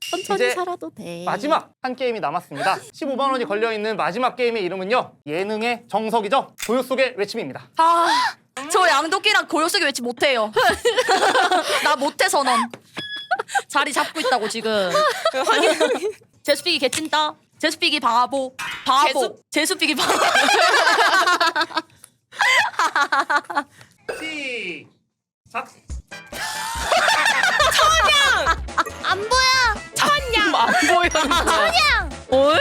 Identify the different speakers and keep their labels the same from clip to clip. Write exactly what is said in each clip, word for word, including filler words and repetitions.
Speaker 1: 천천히
Speaker 2: 이제
Speaker 1: 살아도 돼.
Speaker 2: 마지막 한 게임이 남았습니다. 십오만 원이 걸려있는 마지막 게임의 이름은요. 예능의 정석이죠. 고요 속의 외침입니다.
Speaker 3: 아, 저 양도끼랑 고요 속의 외침 못해요. 나 못해 선언. 자리 잡고 있다고 지금. 제수피기 개찐따. 제수피기 바보. 바보. 제수피기 바보.
Speaker 2: 시작.
Speaker 4: 안 보여.
Speaker 1: 천냥 안 보여.
Speaker 4: 천냥.
Speaker 1: 어?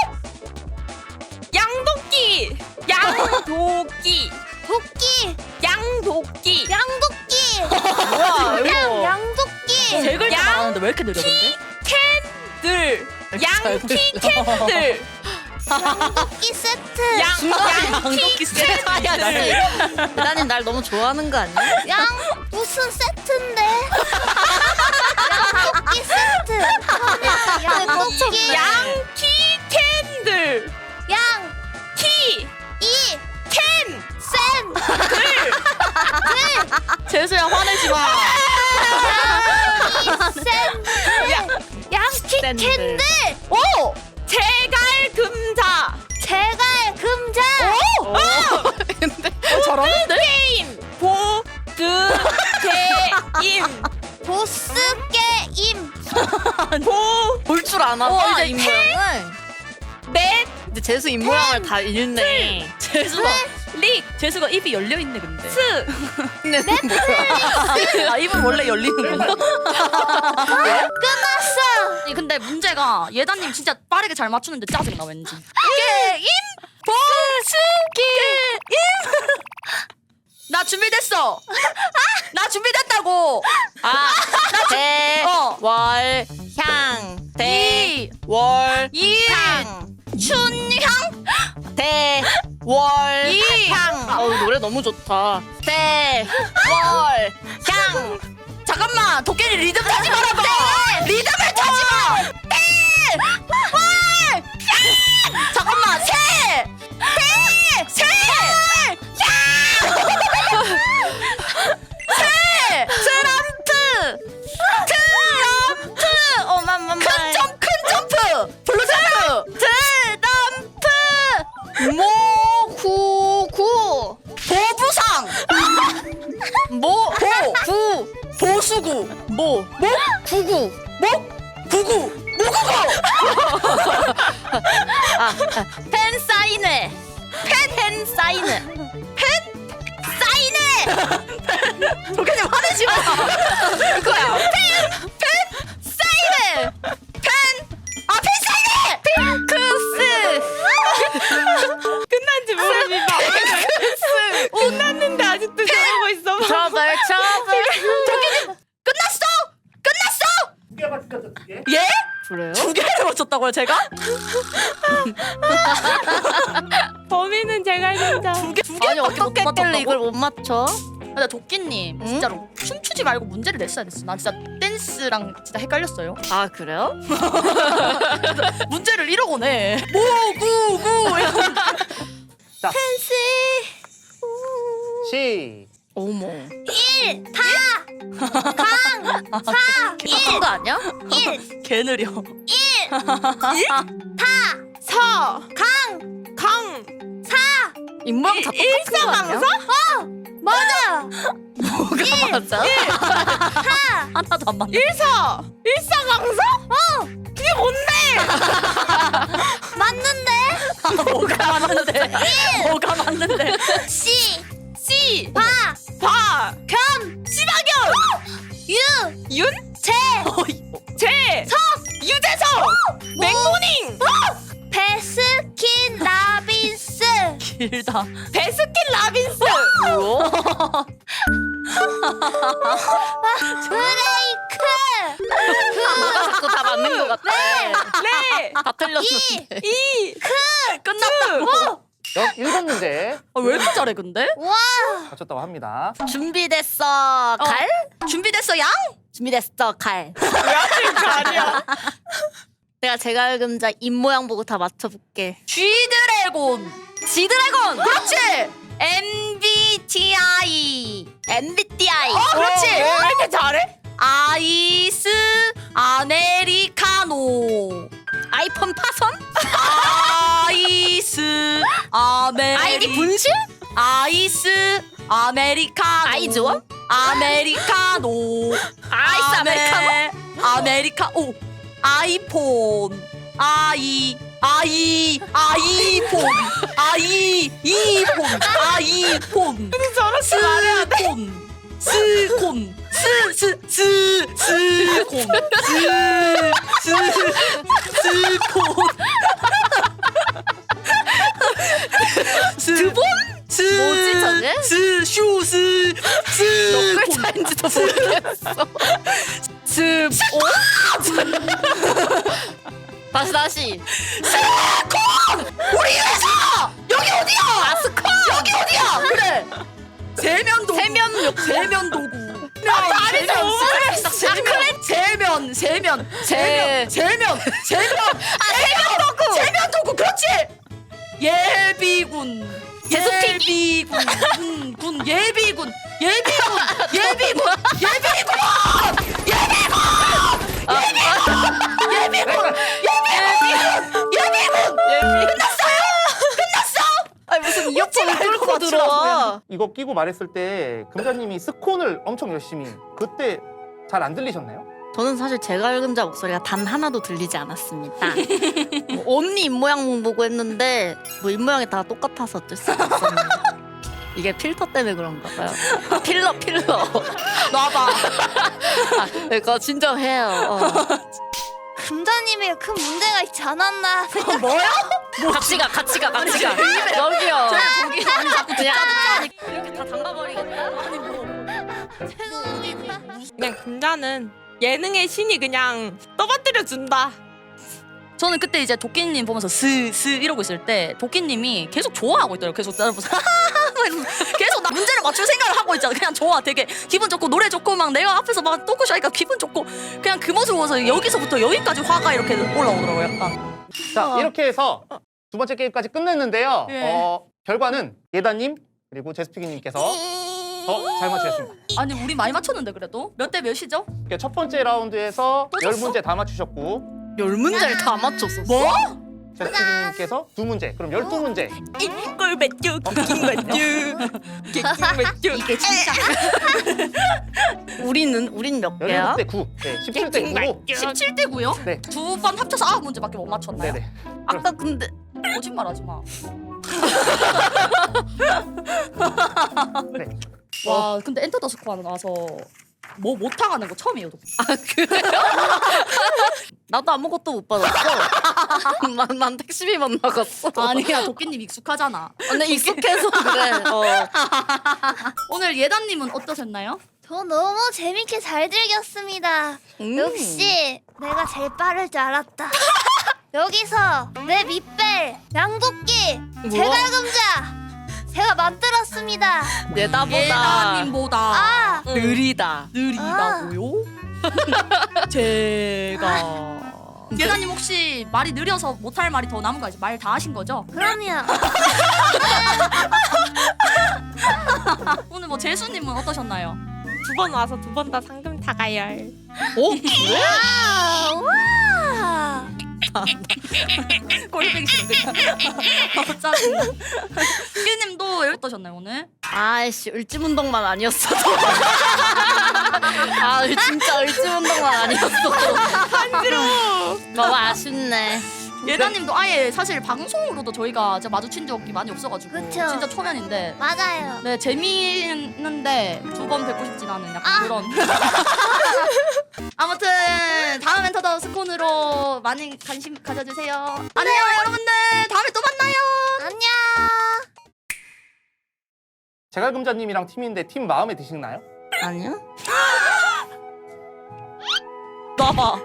Speaker 3: 양도끼. 양도끼.
Speaker 4: 도끼.
Speaker 3: 양도끼.
Speaker 4: 양도끼.
Speaker 1: 뭐야
Speaker 4: 양
Speaker 1: 이거?
Speaker 4: 양도끼.
Speaker 3: 세 글자
Speaker 1: 양-
Speaker 3: 나왔는데 왜 이렇게 느려 근데? 캔들. 양키 캔들.
Speaker 4: 양도끼 세트.
Speaker 3: 양
Speaker 1: 양도끼 세트야. 대단님 날 너무 좋아하는 거 아니야?
Speaker 4: 양 무슨 세트인데? 양도끼 세트. 천양 양도끼.
Speaker 3: 양키 캔들.
Speaker 4: 양키
Speaker 3: 이
Speaker 4: 캔. 센.
Speaker 3: 재수야 화내지 마.
Speaker 4: 양키 센. 양키
Speaker 1: 샌들.
Speaker 4: 캔들.
Speaker 3: 오! 제갈 금자.
Speaker 4: 제갈 금자.
Speaker 3: 오! 근데 잘하는데? 게임 보드 게임
Speaker 4: 보스 게임.
Speaker 1: 볼 줄 아나
Speaker 3: 어,
Speaker 1: 봐
Speaker 3: 이제
Speaker 1: 입 모양을.
Speaker 3: 넷
Speaker 1: 근데 재수 입 모양을 다 읽네.
Speaker 3: 재수가 릭 재수가 입이 열려 있네 근데. 스
Speaker 1: 근데 뭐야?
Speaker 3: 아 입은 원래 열리는구나.
Speaker 4: 끝났어.
Speaker 3: 아니, 근데 문제가 예다님 진짜 빠르게 잘 맞추는데 짜증나 왠지. 게임 보스 게임. 나 준비됐어. 나 준비됐다고.
Speaker 1: 아, 대,
Speaker 3: 어.
Speaker 1: 월, 향, 대,
Speaker 3: 이,
Speaker 1: 월,
Speaker 3: 이,
Speaker 1: 향,
Speaker 3: 춘향,
Speaker 1: 대, 월,
Speaker 3: 이.
Speaker 1: 향. 어우 노래 너무 좋다. 대, 월, 향.
Speaker 3: 잠깐만 도깨비 리듬 타지 말아봐. 리듬을 타지 마. 대, 월, 향. 잠깐만 세, 대, 세, 향. 세, 트럼프, 트럼프.
Speaker 1: 어맘맘.
Speaker 3: 큰 점, 큰 점프. 블루점프. 트럼프.
Speaker 1: 모구구.
Speaker 3: 보부상.
Speaker 1: 모,
Speaker 3: 보,
Speaker 1: 구,
Speaker 3: 보수구.
Speaker 1: 모, 모, 구구.
Speaker 3: 목, 구구, 모구구.
Speaker 1: 아, 아, 팬 사인회. 팬, 팬 사인회.
Speaker 3: 사인회. 도깨님 화내지 마. 그거야. 펜, 펜, 사인회. 펜, 아, 펜 사인회.
Speaker 1: 핑크스.
Speaker 3: 끝난지 모릅니다. 핑크스. 끝났는데 아직도 저러고 있어.
Speaker 1: 트러블, 트러블.
Speaker 3: 도깨님 끝났어. 끝났어.
Speaker 2: 두 개가 끝났죠. 두 개.
Speaker 3: 예?
Speaker 1: 그래요?
Speaker 3: 두 개를 맞췄다고요, 제가?
Speaker 5: 범인은 제가 진짜.
Speaker 3: 두 개, 두 개.
Speaker 1: 아니 어떻게 했길래 이걸 못 맞춰?
Speaker 3: 근데 도끼님
Speaker 1: 응?
Speaker 3: 진짜로 춤추지 말고 문제를 냈어야 됐어. 나 진짜 댄스랑 진짜 헷갈렸어요.
Speaker 1: 아 그래요?
Speaker 3: 문제를 이러고 내. 모구구.
Speaker 2: 자,
Speaker 4: 펜시.
Speaker 2: 시.
Speaker 1: 어머.
Speaker 4: 일. 다. 강. 사.
Speaker 1: 이거 거 아니야?
Speaker 4: 일.
Speaker 3: 개 느려.
Speaker 4: 다.
Speaker 5: 서.
Speaker 4: 강.
Speaker 5: 강.
Speaker 4: 사.
Speaker 1: 입모양 다 똑같은 거 아니야?
Speaker 4: 맞아.
Speaker 1: 뭐가 맞아?
Speaker 4: 사.
Speaker 3: 하나도 안 맞네.
Speaker 5: 일서. 일사강서? 어. 그게 뭔데?
Speaker 4: 맞는데.
Speaker 3: 뭐가 맞는데? 뭐가 맞는데?
Speaker 4: 시.
Speaker 5: 씨.
Speaker 4: 바.
Speaker 5: 바.
Speaker 4: 겸.
Speaker 5: 시바견.
Speaker 4: 유.
Speaker 5: 윤.
Speaker 4: 제.
Speaker 5: 제. 석. 유재석. 맥모닝.
Speaker 4: 베스킨 라빈스.
Speaker 3: 길다.
Speaker 5: 베스킨 라빈스.
Speaker 1: 뭐야?
Speaker 4: 브레이크.
Speaker 1: 자꾸 다 맞는 거 같아.
Speaker 5: 네.
Speaker 1: 다 틀렸는데.
Speaker 5: 이.
Speaker 3: 끝났다고.
Speaker 2: 역 일곱 문제
Speaker 3: 아, 왜 이렇게 잘해 근데?
Speaker 4: 와.
Speaker 2: 맞췄다고 합니다.
Speaker 1: 준비됐어 칼?
Speaker 3: 준비됐어 양?
Speaker 1: 준비됐어 칼.
Speaker 5: 아니야.
Speaker 1: 내가 제갈금자 입 모양 보고 다 맞춰볼게.
Speaker 3: G드래곤. G드래곤. 그렇지. 엠비티아이.
Speaker 1: 엠비티아이.
Speaker 3: 어, 그렇지.
Speaker 5: 왜 이렇게 잘해?
Speaker 3: 아이스 아메리카노. 파선? 아이스 아메리
Speaker 1: 아이디 분실?
Speaker 3: 아이스 아메리카노
Speaker 1: 아이즈원?
Speaker 3: 아메리카노
Speaker 1: 아이스
Speaker 3: 아메-
Speaker 1: 아메리카노?
Speaker 3: 아메리카노 아이폰 아이 아이 아이폰 아이 이폰 아이폰
Speaker 5: 저렇게 말해야 돼.
Speaker 3: 스콘 스콘 스스 스콘 스스 스콘 스본
Speaker 1: 뭐지, 저게?
Speaker 3: 스슈스
Speaker 1: 몇
Speaker 3: 스콘
Speaker 1: 글자인지도 모르겠어.
Speaker 3: 스
Speaker 1: 다시 다시.
Speaker 3: 우리 회사 여기 어디야?
Speaker 1: 아 스콘.
Speaker 3: 여기 어디야? 그래. 세면 도구.
Speaker 1: 세면 욕-
Speaker 3: 세면 도구.
Speaker 1: 말이 좀
Speaker 3: 세면 세면 세면 세면 세면 세면 아 세면 도구. 세면 도구 그렇지. 예비군.
Speaker 1: 제수피기?
Speaker 3: 예비군. 군, 군 예비군. 예비군. 예비군. 예비군. 예비군. 예비군. 예비군.
Speaker 1: 아니 무슨 이어폰을 뚫고 들어와.
Speaker 2: 이거 끼고 말했을 때 금자님이 스콘을 엄청 열심히 그때 잘 안 들리셨나요?
Speaker 1: 저는 사실 제갈금자 목소리가 단 하나도 들리지 않았습니다. 뭐 언니 입모양 보고 했는데 뭐 입모양이 다 똑같아서 어쩔 수가 없었네요. 이게 필터 때문에 그런가 봐요. 필러 필러.
Speaker 3: 놔봐.
Speaker 1: 아, 그거 진정해요. 어.
Speaker 4: 금자님에게 큰 문제가 있지 않았나 생각.
Speaker 3: 뭐야?
Speaker 1: 같이 가 같이 가 같이 가. 여기요. 저기 아니 자꾸 그냥 이렇게 다 담가버리겠다. 아니 뭐.
Speaker 4: 죄송합니다.
Speaker 5: 그냥 금자는 예능의 신이 그냥 떠받들여 준다.
Speaker 3: 저는 그때 이제 도끼님 보면서 스스 이러고 있을 때 도끼님이 계속 좋아하고 있더라고요. 계속 나를 보면서 하하하 이러면서 계속 나 문제를 맞출 생각을 하고 있잖아. 그냥 좋아. 되게 기분 좋고 노래 좋고 막 내가 앞에서 막 토크쇼 하니까 기분 좋고 그냥 그 모습을 보면서 여기서부터 여기까지 화가 이렇게 올라오더라고요. 약간.
Speaker 2: 자
Speaker 3: 어.
Speaker 2: 이렇게 해서 두 번째 게임까지 끝냈는데요.
Speaker 3: 예.
Speaker 2: 어, 결과는 예다님 그리고 제스피기님께서 더 잘 맞추셨습니다.
Speaker 3: 아니 우리 많이 맞췄는데 그래도 몇 대 몇이죠?
Speaker 2: 이렇게 첫 번째 라운드에서
Speaker 3: 또
Speaker 2: 열
Speaker 3: 졌어?
Speaker 2: 문제 다 맞추셨고
Speaker 1: 열 문제를 다 맞췄어.
Speaker 3: 뭐?
Speaker 2: 제스피기님께서 두 문제 그럼 열두 문제.
Speaker 5: 이걸 맺죠. 킹 맺죠. 킹 맺죠.
Speaker 3: 이게 진짜
Speaker 1: 우리는 우린 몇 개야?
Speaker 2: 열일곱 대 구. 네, 십칠 대 구로.
Speaker 3: 십칠 대 구요?
Speaker 2: 네.
Speaker 3: 두 번 합쳐서 아홉 문제밖에 못 맞췄나요?
Speaker 2: 네네.
Speaker 1: 아까 근데
Speaker 3: 거짓말하지 마.
Speaker 2: 네.
Speaker 3: 와 근데 엔터 더 스코어 나와서 뭐 못하가는 거 처음이에요.
Speaker 1: 아 그래요? 나도 아무것도 못 받았어. 난, 난 택시비만 나갔어.
Speaker 3: 아니야 도끼님 익숙하잖아.
Speaker 1: 근데 익숙해서 그래. 어.
Speaker 3: 오늘 예단님은 어떠셨나요?
Speaker 4: 저 너무 재밌게 잘 즐겼습니다.
Speaker 1: 음.
Speaker 4: 역시 내가 제일 빠를 줄 알았다. 여기서 내 밑벨 양도끼 제갈금자 제가 만들었습니다.
Speaker 1: 예다보다
Speaker 3: 예단님보다
Speaker 4: 아
Speaker 1: 느리다.
Speaker 3: 느리다고요? 제가 예단님 혹시 말이 느려서 못할 말이 더 남은 거 아니죠? 말 다 하신 거죠?
Speaker 4: 그럼요.
Speaker 3: 오늘 뭐 재수님은 어떠셨나요?
Speaker 5: 두 번 와서 두 번 다 상금 타가열.
Speaker 1: 오 그래?
Speaker 4: 아, 와.
Speaker 3: 꼴뱅이 싫어 그냥. 어, 짜증나. 수기님도 어떠셨나요 오늘?
Speaker 1: 아이씨 을지문동만 아니었어도. 아 진짜 을지문동만 아니었어도.
Speaker 5: 간지러워.
Speaker 1: 너무 아쉽네.
Speaker 3: 예단님도 아예 사실 방송으로도 저희가 진짜 마주친 적이 많이 없어가지고
Speaker 4: 그쵸.
Speaker 3: 진짜 초면인데
Speaker 4: 맞아요.
Speaker 3: 네 재미있는데 두 번 뵙고 싶진 않은 약간
Speaker 4: 아.
Speaker 3: 그런. 아무튼 다음 엔터더 스콘으로 많이 관심 가져주세요. 안녕 여러분들 다음에 또 만나요.
Speaker 4: 안녕.
Speaker 2: 제갈금자님이랑 팀인데 팀 마음에 드시나요?
Speaker 1: 아니야?
Speaker 3: 놔봐.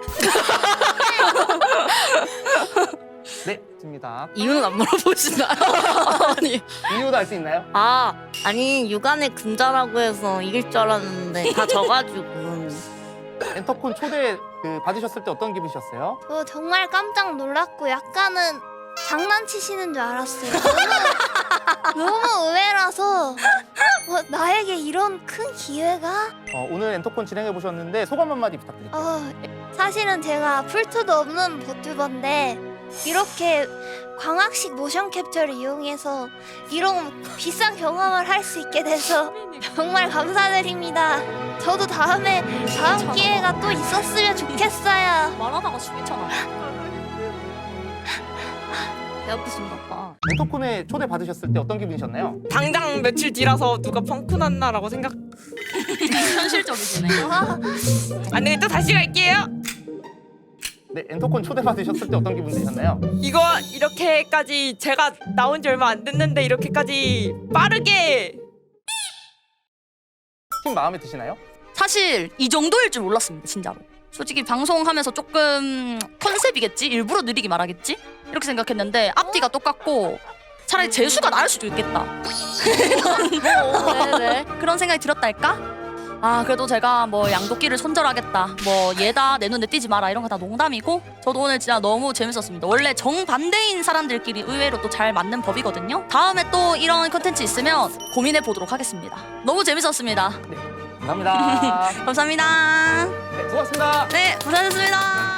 Speaker 2: 네, 됩니다.
Speaker 1: 이유는 안 물어보시나요? 아니.
Speaker 2: 이유도 알 수 있나요?
Speaker 1: 아 아니 육안의 금자라고 해서 이길 줄 알았는데 다 져가지고.
Speaker 2: 엔터콘 초대 그 받으셨을 때 어떤 기분이셨어요?
Speaker 4: 저 정말 깜짝 놀랐고 약간은 장난치시는 줄 알았어요. 너무, 너무 의외라서 어, 나에게 이런 큰 기회가?
Speaker 2: 어, 오늘 엔터콘 진행해 보셨는데 소감 한마디 부탁드릴게요.
Speaker 4: 어, 사실은 제가 풀투도 없는 버튜버인데 이렇게 광학식 모션 캡처를 이용해서 이런 비싼 경험을 할 수 있게 돼서 정말 감사드립니다. 저도 다음에 다음 기회가 또 있었으면 좋겠어요.
Speaker 3: 말하다가 숨이잖아.
Speaker 1: 배 아프신가 봐.
Speaker 2: 엔터콘에 초대 받으셨을 때 어떤 기분이셨나요?
Speaker 5: 당장 며칠 뒤라서 누가 펑크 났나라고 생각.
Speaker 3: 현실적이시네.
Speaker 4: 와,
Speaker 5: 안 되겠다 다시 갈게요.
Speaker 2: 네, 엔터콘 초대 받으셨을 때 어떤 기분 드셨나요?
Speaker 5: 이거 이렇게까지 제가 나온 지 얼마 안 됐는데 이렇게까지 빠르게
Speaker 2: 팀 마음에 드시나요?
Speaker 3: 사실 이 정도일 줄 몰랐습니다, 진짜로. 솔직히 방송하면서 조금 컨셉이겠지? 일부러 느리게 말하겠지? 이렇게 생각했는데 앞뒤가 똑같고 차라리 재수가 나을 수도 있겠다.
Speaker 1: 왜 왜?
Speaker 3: 그런 생각이 들었달까? 아 그래도 제가 뭐 양도끼를 손절하겠다, 뭐 얘다 내 눈에 띄지 마라 이런 거 다 농담이고 저도 오늘 진짜 너무 재밌었습니다. 원래 정반대인 사람들끼리 의외로 또 잘 맞는 법이거든요. 다음에 또 이런 컨텐츠 있으면 고민해 보도록 하겠습니다. 너무 재밌었습니다.
Speaker 2: 감사합니다.
Speaker 3: 감사합니다.
Speaker 2: 네, 수고하셨습니다.
Speaker 3: 네, 고생하셨습니다.